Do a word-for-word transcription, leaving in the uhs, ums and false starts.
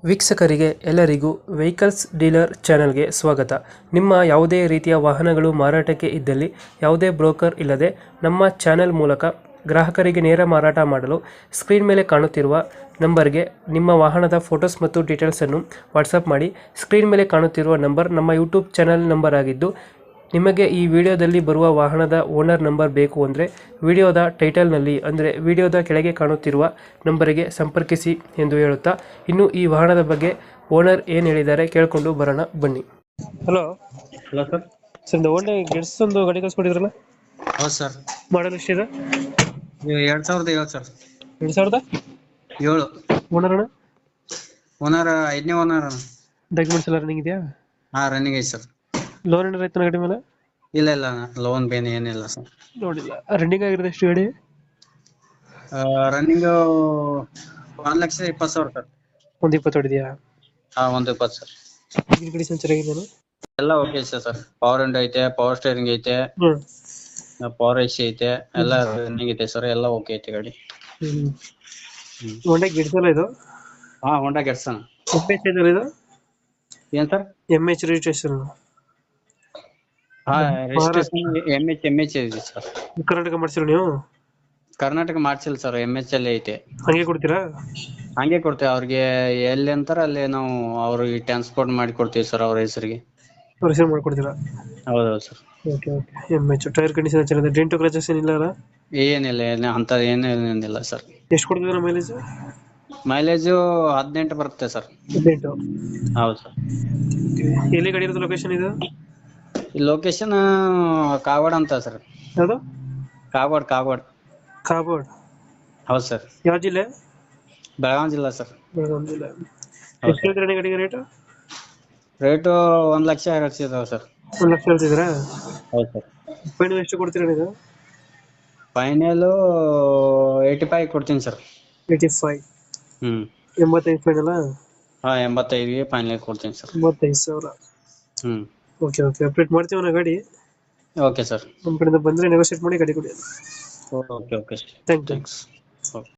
ವೀಕ್ಷಕರಿಗೆ ಎಲ್ಲರಿಗೂ vehicles dealer ಚಾನೆಲ್ಗೆ ಸ್ವಾಗತ. ನಿಮ್ಮ ಯಾವುದೇ ರೀತಿಯ ವಾಹನಗಳು ಮಾರಾಟಕ್ಕೆ ಇದ್ದಲ್ಲಿ ಯಾವುದೇ ಬ್ರೋಕರ್ ಇಲ್ಲದೆ ನಮ್ಮ ಚಾನೆಲ್ ಮೂಲಕ ಗ್ರಾಹಕರಿಗೆ ನೇರ ಮಾರಾಟ ಮಾಡಲು ಸ್ಕ್ರೀನ್ ಮೇಲೆ ಕಾಣುತ್ತಿರುವ ನಂಬರ್ಗೆ ನಿಮ್ಮ ವಾಹನದ ಫೋಟೋಸ್ ಮತ್ತು ಡೀಟೇಲ್ಸನ್ನು ವಾಟ್ಸಪ್ ಮಾಡಿ. ಸ್ಕ್ರೀನ್ ಮೇಲೆ ಕಾಣುತ್ತಿರುವ ನಂಬರ್ ನಮ್ಮ ಯೂಟ್ಯೂಬ್ ಚಾನೆಲ್ ನಂಬರ್ ಆಗಿದ್ದು, ನಿಮಗೆ ಈ ವಿಡಿಯೋದಲ್ಲಿ ಬರುವ ವಾಹನದ ಓನರ್ ನಂಬರ್ ಬೇಕು ಅಂದರೆ ವಿಡಿಯೋದ ಟೈಟಲ್ನಲ್ಲಿ ಅಂದರೆ ವಿಡಿಯೋದ ಕೆಳಗೆ ಕಾಣುತ್ತಿರುವ ನಂಬರಿಗೆ ಸಂಪರ್ಕಿಸಿ ಎಂದು ಹೇಳುತ್ತಾ, ಇನ್ನು ಈ ವಾಹನದ ಬಗ್ಗೆ ಓನರ್ ಏನು ಹೇಳಿದ್ದಾರೆ ಕೇಳಿಕೊಂಡು ಬರೋಣ ಬನ್ನಿ. Hello hello sir. ಸರ್, ಇದು ಒಳ್ಳೆ ಗೆಟ್ಸ್ ಒಂದು ಗಾಡಿ ಕಳಿಸ್ಕೊಟ್ಟಿದ್ರಲ್ಲ, ಹೌದು ಸರ್. ಮಾಡಲ್ ಎಷ್ಟಿದೆ? ಇದು ಎರಡ್ ಸಾವಿರದ ಏಳು ಸರ್. ಎರಡು ಸಾವಿರದ ಏಳು. ಓನರ್ ಅಣ್ಣ? ಓನರ್ ಐದನೇ ಓನರ್. ಡಾಕ್ಯುಮೆಂಟ್ಸ್ ಎಲ್ಲ ರನ್ನಿಂಗ್ ಇದೆಯಾ? ಹಾ, ರನ್ನಿಂಗ್ ಐತಿ ಸರ್. ಲೋನ್ ಏನಾರ ಆಯ್ತಾನ ಗಾಡಿ ಮೇಲೆ? ಇಲ್ಲ ಇಲ್ಲ ಲೋನ್ ಬೇನ್ ಏನಿಲ್ಲ ಸರ್. ನೋಡಿಲ್ಲ. ರನ್ನಿಂಗ್ ಆಗಿರೋದು ಎಷ್ಟು ಗಾಡಿ? ರನ್ನಿಂಗ್ ಒಂದ್ ಲಕ್ಷ ಇಪ್ಪತ್ತು ಸಾವಿರ ಸರ್. ಒಂದು ಇಪ್ಪತ್ತು ಹೊಡಿದೆಯಾ? ಹಾ, ಒಂದು ಇಪ್ಪತ್ತು ಸರ್. ಇಂಜಿನ್ ಕಂಡೀಷನ್ ಚೆನ್ನಾಗಿದೆಯಾ? ಎಲ್ಲ ಓಕೆ ಐತೆ ಸರ್. ಪವರ್ ವಿಂಡೋ ಐತೆ, ಪವರ್ ಸ್ಟೇರಿಂಗ್ ಐತೆ, ಹ್ಮ್ ಪವರ್ ಎಸಿ ಐತೆ, ಎಲ್ಲ ರನ್ನಿಂಗ್ ಐತೆ ಸರ್. ಎಲ್ಲ ಓಕೆ ಐತೆ ಗಾಡಿ. ಹ್ಮ್ ಹ್ಮ್. ಹೊಂಡಾ ಗಿಡ್ಸಲ್ಲ ಇದು? ಹಾ, ಹೋಂಡಾ ಗೆಟ್ಸನ್. ಎಮ್ ಎಚ್ ಇದೆಯಲ್ಲ ಇದು? ಏನ್ ಸರ್? M H registration? ಹಾ, registration M H M H ಇದೆ ಸರ್. ಕರ್ನಾಟಕ ಮಾಡ್ಸಿರೋ ನೀವು? ಕರ್ನಾಟಕ ಮಾಡ್ಸಿಲ್ಲ ಸರ್, ಎಮ್ ಎಚ್ ಅಲ್ಲಿ ಐತೆ. ಹಂಗೆ ಕೊಡ್ತೀರಾ? ಹಂಗೆ ಕೊಡ್ತೇವೆ ಅವ್ರಿಗೆ. ಎಲ್ಲಿ ಅಂತಾರ ಅಲ್ಲಿ ನಾವು ಅವ್ರಿಗೆ ಟ್ರಾನ್ಸ್ಪೋರ್ಟ್ ಮಾಡಿ ಕೊಡ್ತೀವಿ ಸರ್, ಅವ್ರ ಹೆಸರಿಗೆ. ರಿಸೀವ್ ಮಾಡ್ಕೊಡ್ತೀರಾ? ಹೌದೌದು sir. Okay okay. M H tyre condition ಚೆನ್ನಾಗಿದೆ, ಡೆಂಟು ಕ್ರಚಸ್ ಏನಿಲ್ಲ ಅಲ್ಲ? ಏನಿಲ್ಲ, ಏನ ಅಂತ ಏನೇನಿಲ್ಲ ಸರ್. ಎಷ್ಟು ಕೊಡ್ತಿದ್ದೀರಾ ಮೈಲೇಜ್? ಮೈಲೇಜು ಹದಿನೆಂಟು ಬರುತ್ತೆ ಸರ್. ಹದಿನೆಂಟು? ಹೌದು ಸರ್. ಎಲ್ಲಿ ಗಾಡಿ ಇರೋದು? ಲೊಕೇಶನ್ ಇದು? ಈ ಲೊಕೇಶನ್ ಕಾಗವಾಡ ಅಂತ ಸರ್. ಯಾವುದು? ಕಾಗವಾಡ ಕಾಗವಾಡ. ಕಾಬೋರ್ಡ್? ಹೌದು ಸರ್. ಯಾವ ಜಿಲ್ಲೆ? ಬೆಳಗಾವಿ ಜಿಲ್ಲಾ ಸರ್. ಬೆಳಗಾವಿ ಜಿಲ್ಲೆ. ಹೌದು ಎಷ್ಟು ಹೇಳ್ತೀರಾ ಗಾಡಿಗೆ ರೇಟು? ರೇಟು ಒಂದ್ ಲಕ್ಷ ಹೇಳ್ತಿದ್ದಾವೆ ಸರ್. ಒಂದು ಲಕ್ಷ ಹೇಳ್ತಿದ್ದೀರಾ? ಹೌದು ಸರ್. ಫೈನಲ್ ಎಷ್ಟು ಕೊಡ್ತೀರಾ ನೀವು? ಫೈನಲ್ ಏಯ್ಟಿ ಫೈವ್ ಕೊಡ್ತೀನಿ ಸರ್. Eighty five? ಹ್ಮ್. ಎಂಬತ್ತೈದು ಫೈನಲ್? ಹಾ, ಎಂಬತ್ತೈದಿಗೆ ಫೈನಲ್ ಕೊಡ್ತೀನಿ ಸರ್. ಎಂಬತ್ತೈದು ಸಾವಿರ? ಹ್ಮ್. Okay okay. ಅಪ್ಡೇಟ್ ಮಾಡ್ತೀವಿ ನಾ ಗಾಡಿ. Okay sir. ನಮ್ಮ ಕಡೆಯಿಂದ ಬಂದರೆ ನೆಗೋಷಿಯೇಟ್ ಮಾಡಿ ಗಾಡಿ ಕೊಡಿ. Okay okay. Thank you. Thanks. Okay.